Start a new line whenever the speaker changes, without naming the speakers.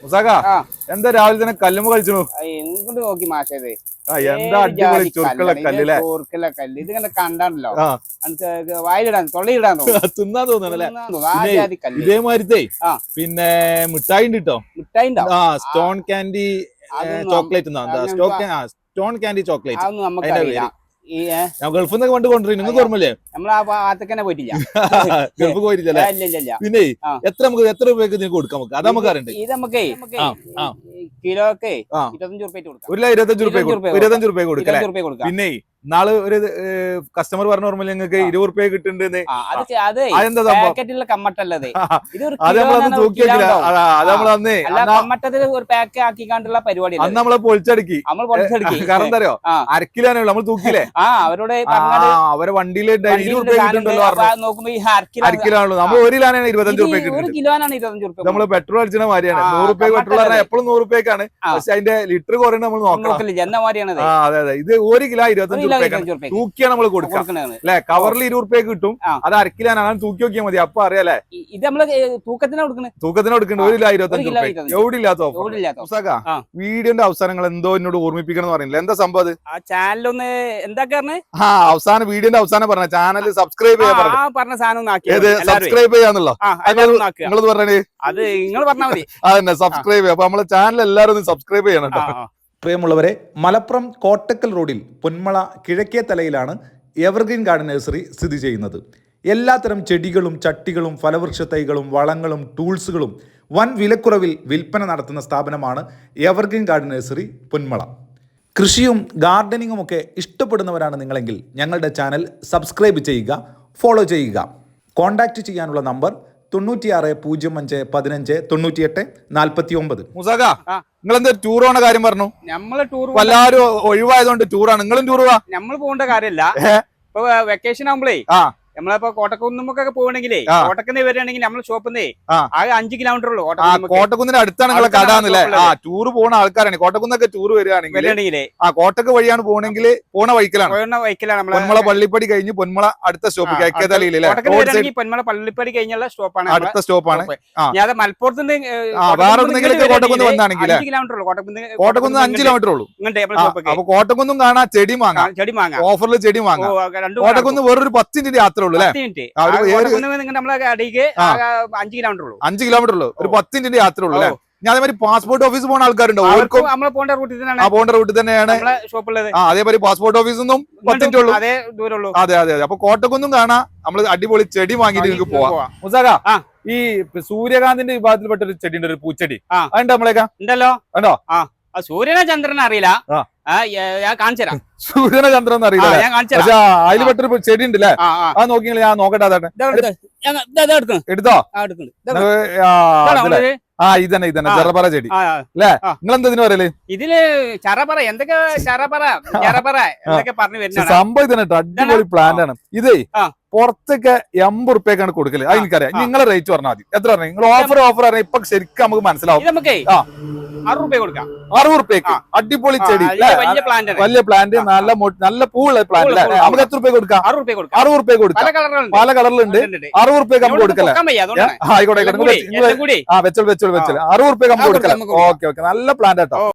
എന്താ രാവിലെ തന്നെ കല്ലുമ്പോ കളിച്ചു
എന്തുകൊണ്ട് നോക്കി മാഷത്
എന്താ അടിപൊളി ചുരുക്കുള്ള കല്ല്
ചോർക്കുള്ള കല്ല് ഇത് ഇങ്ങനെ കണ്ടാണല്ലോ വായിലിടാൻ തൊള്ളയിടാൻ
തിന്നാൻ തോന്നണല്ലേ ഇതേമാതിരത്തെ പിന്നെ മിഠായി ഉണ്ട് കേട്ടോ
മിഠായി
stone candy chocolate stone candy chocolate
അതൊന്നും നമുക്കറിയില്ല
ഗൾഫിൽ നിന്നൊക്കെ പണ്ട് കൊണ്ടുവരും നിങ്ങൾക്ക് ഓർമ്മല്ലേ
നമ്മൾ ആ ഭാഗത്തേക്ക് പോയിട്ടില്ല
ഗൾഫ് പോയിട്ടില്ല പിന്നെ എത്ര രൂപയ്ക്ക് നിങ്ങൾക്ക് കൊടുക്കാം നമുക്ക് അത് നമുക്ക് അറിയണ്ടേ
ഇത് നമുക്കേ കിലോക്ക്
25 രൂപ കൊടുക്കാം പിന്നെ നാളെ ഒരു കസ്റ്റമർ പറഞ്ഞ ഓർമ്മ നിങ്ങൾക്ക് 20 രൂപ കിട്ടുന്നുണ്ട്
കമ്മട്ടല്ലത്
അത് നമ്മളന്ന് തൂക്കി വെക്കില്ല അത് നമ്മളന്ന്
കമ്മട്ടത്തിൽ ഒരു പാക്ക് ആക്കിക്കാണ്ടുള്ള പരിപാടി
അന്ന് നമ്മളെ പൊളിച്ചടുക്കി കാരണം എന്താ അറിയോ അരക്കിലാണ് നമ്മൾ തൂക്കിയില്ലേ
അവരോട്
അവരെ വണ്ടിയിൽ 20 രൂപ കിട്ടുന്നുണ്ടല്ലോ
നോക്കുമ്പോ ഈ
അരക്കിലാണല്ലോ നമ്മൾ 1 കിലോനാണ് 25 രൂപ കിട്ടുന്നത് നമ്മള് പെട്രോൾ അടിച്ചിന മാതിരിയാണ് 100 രൂപ പെട്രോൾ പറഞ്ഞാൽ എപ്പോഴും 100 രൂപയ്ക്കാണ് പക്ഷെ അതിന്റെ ലിറ്റർ കുറയുന്നത് നമ്മൾ നോക്കണം അതെ അതെ ഇത് 1 കിലോ 25 തൂക്കിയാണ് നമ്മൾ കൊടുക്കുക അല്ലെ കവറിൽ 20 രൂപ കിട്ടും അത് അരക്കിലാണ് തൂക്കി നോക്കിയാൽ മതി അപ്പൊ അറിയാലേ
ഇത് നമ്മള് തൂക്കത്തിന്
കൊടുക്കുന്നത് 1 കിലോ 25 രൂപ എവിടെയില്ലാത്ത വീഡിയോന്റെ അവസാനങ്ങൾ എന്തോ എന്നോട് ഓർമ്മിപ്പിക്കണം എന്ന് പറയുന്നില്ല എന്താ സംഭവം
ചാനലൊന്ന് എന്താ
അവസാനം വീഡിയോന്റെ അവസാനം പറഞ്ഞ ചാനൽ സബ്സ്ക്രൈബ് ചെയ്യാൻ
പറഞ്ഞ സാധനം
സബ്സ്ക്രൈബ് ചെയ്യാന്നുള്ളോ നിങ്ങളത് പറഞ്ഞേ
അത് നിങ്ങൾ പറഞ്ഞാൽ മതി
അതന്നെ സബ്സ്ക്രൈബ് ചെയ്യാം അപ്പൊ നമ്മളെ ചാനൽ എല്ലാവരും ഒന്ന് സബ്സ്ക്രൈബ് ചെയ്യണം കേട്ടോ.
പ്രിയമുള്ളവരെ, മലപ്പുറം കോട്ടക്കൽ റോഡിൽ പൊന്മള കിഴക്കേ തലയിലാണ് എവർഗ്രീൻ ഗാർഡൻ നഴ്സറി സ്ഥിതി ചെയ്യുന്നത്. എല്ലാത്തരം ചെടികളും ചട്ടികളും ഫലവൃക്ഷ തൈകളും വളങ്ങളും ടൂൾസുകളും വൻ വിലക്കുറവിൽ വിൽപ്പന നടത്തുന്ന സ്ഥാപനമാണ് എവർഗ്രീൻ ഗാർഡൻ നഴ്സറി പൊന്മള. കൃഷിയും ഗാർഡനിങ്ങും ഒക്കെ ഇഷ്ടപ്പെടുന്നവരാണ് നിങ്ങളെങ്കിൽ ഞങ്ങളുടെ ചാനൽ സബ്സ്ക്രൈബ് ചെയ്യുക, ഫോളോ ചെയ്യുക. കോൺടാക്റ്റ് ചെയ്യാനുള്ള നമ്പർ 9605159849.
നിങ്ങൾ എന്താ ടൂർ പോണ കാര്യം പറഞ്ഞു?
നമ്മള് ടൂർ
എല്ലാവരും ഒഴിവായതുകൊണ്ട് ടൂറാണ്. നിങ്ങളും ടൂർ പോവാ?
നമ്മൾ പോകേണ്ട കാര്യമല്ല. ഇപ്പൊ വെക്കേഷൻ ആകുമ്പോഴേ നമ്മളിപ്പോ കോട്ടക്കുന്നുമൊക്കെ പോകണമെങ്കിലേ കോട്ടക്കുന്ന് വരികയാണെങ്കിൽ നമ്മളെ ഷോപ്പിന്നേ ആകെ 5 കിലോമീറ്റർ ഉള്ളൂ.
കോട്ടക്കുന്നിന്റെ അടുത്താണ് നിങ്ങളെ കടാന്നല്ലേ? ടൂർ പോണ ആൾക്കാരാണ്. കോട്ടക്കുന്നൊക്കെ ടൂർ വരികയാണെങ്കിൽ കോട്ടക്ക് വഴിയാണ് പോകണമെങ്കിൽ പോണ വൈക്കലാണ് പൊന്മള പള്ളിപ്പടി കഴിഞ്ഞ് പൊന്മള അടുത്ത സ്റ്റോപ്പ്
പൊന്മള പള്ളിപ്പടി കഴിഞ്ഞുള്ള സ്റ്റോപ്പാണ്
അടുത്ത സ്റ്റോപ്പാണ്.
ഞാൻ മലപ്പുറത്ത്
വേറെ കോട്ടക്കുന്ന് വന്നാണെങ്കിൽ കോട്ടക്കുന്ന് 5 കിലോമീറ്റർ ഉള്ളൂ. അപ്പൊ കോട്ടക്കുന്നും കാണാം, ചെടി വാങ്ങാം, ഓഫറിൽ ചെടി വാങ്ങാം. കോട്ടക്കുന്ന് വേറൊരു 10 മിനിറ്റ് യാത്ര
5 കിലോമീറ്റർ ഉള്ളൂ.
5 കിലോമീറ്റർ ഉള്ളൂ, ഒരു 10 മിനിറ്റ് യാത്ര ഉള്ളൂ അല്ലെ? ഞാൻ അതേമാതിരി പാസ്പോർട്ട് ഓഫീസ് പോകുന്ന ആൾക്കാരുണ്ടോ?
പോകേണ്ട
റൂട്ടിൽ തന്നെയാണ് അതേമാതിരി പാസ്പോർട്ട് ഓഫീസിൽ നിന്നും 10 മിനിറ്റ് ഉള്ളൂ. അതെ അതെ അതെ. അപ്പൊ കോട്ടക്കുന്നും കാണാം, നമ്മള് അടിപൊളി ചെടി വാങ്ങിയിട്ട് നിങ്ങൾക്ക് പോവാം. മുസാക, ഈ സൂര്യകാന്തിന്റെ വിഭാഗത്തിൽപ്പെട്ട ഒരു ചെടി ഉണ്ട്, ഒരു പൂച്ചെടി. അതുണ്ട് നമ്മളേക്കാ
ഉണ്ടല്ലോ.
ഉണ്ടോ?
സൂര്യനെ ചന്ദ്രനെ അറിയില്ല, ഞാൻ കാണിച്ചു തരാം.
സൂര്യനെ ചന്ദ്രൻ അറിയില്ല, പക്ഷെ അതിൽ പെട്ടൊരു ചെടി ഉണ്ടല്ലേ? അത് നോക്കിയാൽ ഞാൻ നോക്കട്ടെ. എടുത്തോ? ഇതന്നെ ചെറപറ ചെടി അല്ലേ? നിങ്ങൾ എന്തിനു പറയല്?
ഇതില് ചറപറ എന്തൊക്കെ പറഞ്ഞു വരുന്ന
സംഭവം ഇതന്നെ. അടിപൊളി പ്ലാന്റ് ആണ് ഇത്. പുറത്തൊക്കെ 80 റുപ്യക്കാണ് കൊടുക്കല്. അത് എനിക്കറിയാം. നിങ്ങളെ റേറ്റ് പറഞ്ഞാൽ മതി. എത്ര പറഞ്ഞു? നിങ്ങൾ ഓഫർ പറഞ്ഞാൽ ഇപ്പൊ ശരിക്കും നമുക്ക് മനസ്സിലാവും.
നമുക്ക് 60 കൊടുക്കാം.
60 റുപ്യക്ക് അടിപൊളി ചെടി, വലിയ പ്ലാന്റ്, നല്ല പൂവുള്ള പ്ലാന്റ്. നമുക്ക് എത്ര റുപ്യ കൊടുക്കാം? 60 റുപ്യ കൊടുക്കാം. പല കളറിലുണ്ട്. 60 റുപ്യക്ക് നമുക്ക് കൊടുക്കല്ലേ? ആയിക്കോട്ടെ, വെച്ചോളൂ 60 റുപ്യക്ക് നമുക്ക് കൊടുക്കാം. ഓക്കെ, നല്ല പ്ലാന്റ് കേട്ടോ.